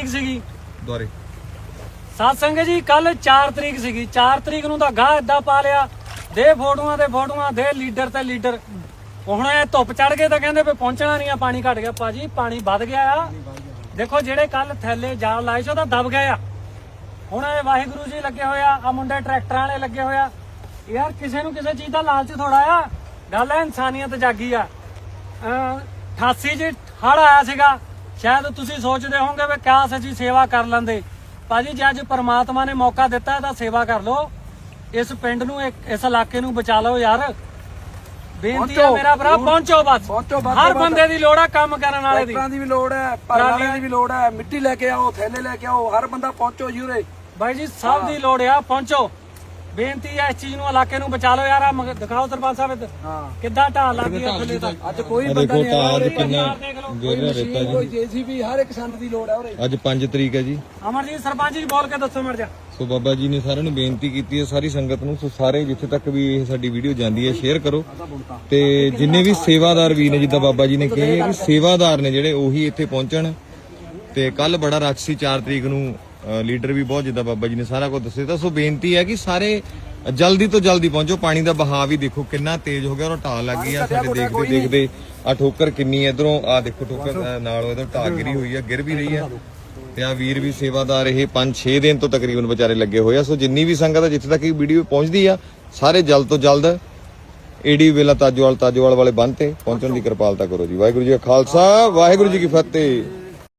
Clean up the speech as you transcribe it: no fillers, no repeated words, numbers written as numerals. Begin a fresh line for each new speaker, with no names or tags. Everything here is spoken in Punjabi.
ਤਰੀਕ ਸੀਗੀ
ਦੁਆਰੇ
ਸਾਧ ਸੰਗਤ ਜੀ, ਕੱਲ 4 ਤਰੀਕ ਸੀਗੀ। 4 ਤਰੀਕ ਨੂੰ ਤਾਂ ਗਾਹ ਏਦਾਂ ਪਾ ਲਿਆ, ਦੇ ਫੋਟੋਆਂ ਤੇ ਫੋਟੋਆਂ, ਦੇ ਲੀਡਰ ਤੇ ਲੀਡਰ। ਹੁਣ ਇਹ ਧੁੱਪ ਚੜ ਗਏ ਤਾਂ ਕਹਿੰਦੇ ਵੀ ਪਹੁੰਚਣਾ ਨਹੀਂ ਆ, ਪਾਣੀ ਘਟ ਗਿਆ। ਭਾਜੀ ਪਾਣੀ ਵੱਧ ਗਿਆ ਆ। ਦੇਖੋ ਜਿਹੜੇ ਕੱਲ ਥੈਲੇ ਜਾਲ ਲਾਏ ਸੀ ਉਹ ਤਾਂ ਦਬ ਗਏ ਆ। ਹੁਣ ਇਹ ਵਾਹਿਗੁਰੂ ਜੀ ਲੱਗੇ ਹੋਇਆ, ਆ ਮੁੰਡੇ ਟਰੈਕਟਰਾਂ ਵਾਲੇ ਲੱਗੇ ਹੋਇਆ। ਯਾਰ ਕਿਸੇ ਨੂੰ ਕਿਸੇ ਚੀਜ਼ ਦਾ ਲਾਲਚ ਥੋੜਾ ਆ, ਗੱਲ ਹੈ ਇਨਸਾਨੀਅਤ ਜਾਗੀ ਆ। 88 ਚ ਹੜ੍ਹ ਆਇਆ ਸੀਗਾ, ਸ਼ਾਇਦ ਤੁਸੀਂ ਸੋਚਦੇ ਹੋਵੋਗੇ ਵੀ ਕਿਆ ਸੱਚੀ ਸੇਵਾ ਕਰ ਲੈਂਦੇ। ਭਾਜੀ ਜੇ ਅੱਜ ਪਰਮਾਤਮਾ ਨੇ ਮੌਕਾ ਦਿੱਤਾ ਤਾਂ ਸੇਵਾ ਕਰ ਲਓ, ਇਸ ਪਿੰਡ ਨੂੰ ਇਸ ਇਲਾਕੇ ਨੂੰ ਬਚਾ ਲਓ ਯਾਰ। ਬੇਨਤੀ ਹੈ ਮੇਰਾ ਭਰਾ, ਪਹੁੰਚੋ ਬਸ। ਹਰ ਬੰਦੇ ਦੀ ਲੋੜ ਹੈ, ਕੰਮ ਕਰਨ ਵਾਲੇ ਦੀ
ਵੀ ਲੋੜ ਹੈ, ਪਾਲਾਂਾਂ ਦੀ ਵੀ ਲੋੜ ਹੈ। ਮਿੱਟੀ ਲੈ ਕੇ ਆਓ, ਥੈਲੇ ਲੈ ਕੇ ਆਓ, ਹਰ ਬੰਦਾ ਪਹੁੰਚੋ ਜੀ ਉਰੇ।
ਬਾਈ ਜੀ ਸਭ ਦੀ ਲੋੜ ਆ, ਪਹੁੰਚੋ। ਬੇਨਤੀ ਹੈ ਇਸ ਚੀਜ਼ ਨੂੰ, ਇਲਾਕੇ ਨੂੰ ਬਚਾ ਲਓ ਯਾਰ। ਦਿਖਾਓ ਸਰਪੰਚ ਸਾਹਿਬ ਕਿੱਦਾਂ ਢਾਲ ਲੱਗ ਗਈ ਥੱਲੇ ਤੱਕ।
ਅੱਜ ਕੋਈ ਬੰਦਾ ਨਹੀਂ ਆ ਰਿਹਾ,
ਕਿੰਨਾ ਗਿਰ ਰਿਹਾ ਰੇਤਾ
ਕੋਈ ਜੀਸੀਬੀ, ਹਰ ਇੱਕ ਸੰਦ ਦੀ ਲੋੜ ਹੈ ਉਰੇ।
ਅੱਜ 5 ਤਰੀਕ ਹੈ ਜੀ।
ਅਮਰਜੀਤ ਸਰਪੰਚ ਜੀ ਬੋਲ ਕੇ ਦੱਸੋ ਮਰ ਜਾ।
ਸੋ ਬਾਬਾ ਜੀ ਨੇ ਸਾਰਿਆਂ ਨੂੰ ਬੇਨਤੀ ਕੀਤੀ ਹੈ, ਸਾਰੀ ਸੰਗਤ ਨੂੰ। ਸੋ ਸਾਰੇ ਜਿੱਥੇ ਤੱਕ ਵੀ ਇਹ ਸਾਡੀ ਵੀਡੀਓ ਜਾਂਦੀ ਹੈ ਸ਼ੇਅਰ ਕਰੋ, ਤੇ ਜਿੰਨੇ ਵੀ ਸੇਵਾਦਾਰ ਵੀ ਨੇ, ਜਿੱਦਾਂ ਬਾਬਾ ਜੀ ਨੇ ਕਿਹਾ ਕਿ ਸੇਵਾਦਾਰ ਨੇ ਜਿਹੜੇ ਉਹੀ ਇੱਥੇ ਪਹੁੰਚਣ। ਤੇ ਕੱਲ ਬੜਾ ਰੱਛ ਸੀ 4 ਤਰੀਕ ਨੂੰ, ਲੀਡਰ ਵੀ ਬਹੁਤ, ਜਿੱਦਾਂ ਬਾਬਾ ਜੀ ਨੇ ਸਾਰਾ ਕੁਝ ਦੱਸਿਆ। ਤਾਂ ਸੋ ਬੇਨਤੀ ਹੈ ਕਿ ਸਾਰੇ ਜਲਦੀ ਤੋਂ ਜਲਦੀ ਪਹੁੰਚੋ। ਪਾਣੀ ਦਾ ਬਹਾਅ ਵੀ ਦੇਖੋ ਕਿੰਨਾ ਤੇਜ਼ ਹੋ ਗਿਆ, ਔਰ ਢਾਲ ਲੱਗ ਗਈ ਆ ਸਾਡੇ ਦੇਖਦੇ ਦੇਖਦੇ। ਆ ਠੋਕਰ ਕਿੰਨੀ ਇਧਰੋਂ, ਆ ਦੇਖੋ ਠੋਕਰ ਨਾਲ ਇਧਰ ਢਾਹ ਗਿਰੀ ਹੋਈ ਆ, ਗਿਰ ਵੀ ਰਹੀ ਆ। ਤੇ ਆ ਵੀਰ ਵੀ ਸੇਵਾਦਾਰ ਇਹ 5-6 ਦਿਨ ਤੋਂ ਤਕਰੀਬਨ ਵਿਚਾਰੇ ਲੱਗੇ ਹੋਏ ਆ। ਸੋ ਜਿੰਨੀ ਵੀ ਸੰਗਤ ਆ, ਜਿੱਥੇ ਤੱਕ ਇਹ ਵੀਡੀਓ ਪਹੁੰਚਦੀ ਆ, ਸਾਰੇ ਜਲਦ ਤੋਂ ਜਲਦ ਏਡੀ ਵੇਲਾ ਤਾਜੋਵਾਲ ਵਾਲੇ ਬੰਨ੍ਹ ਤੇ ਪਹੁੰਚਣ ਦੀ ਕਿਰਪਾਲਤਾ ਕਰੋ ਜੀ। ਵਾਹਿਗੁਰੂ ਜੀ ਕਾ ਖਾਲਸਾ, ਵਾਹਿਗੁਰੂ ਜੀ ਕੀ ਫਤਿਹ।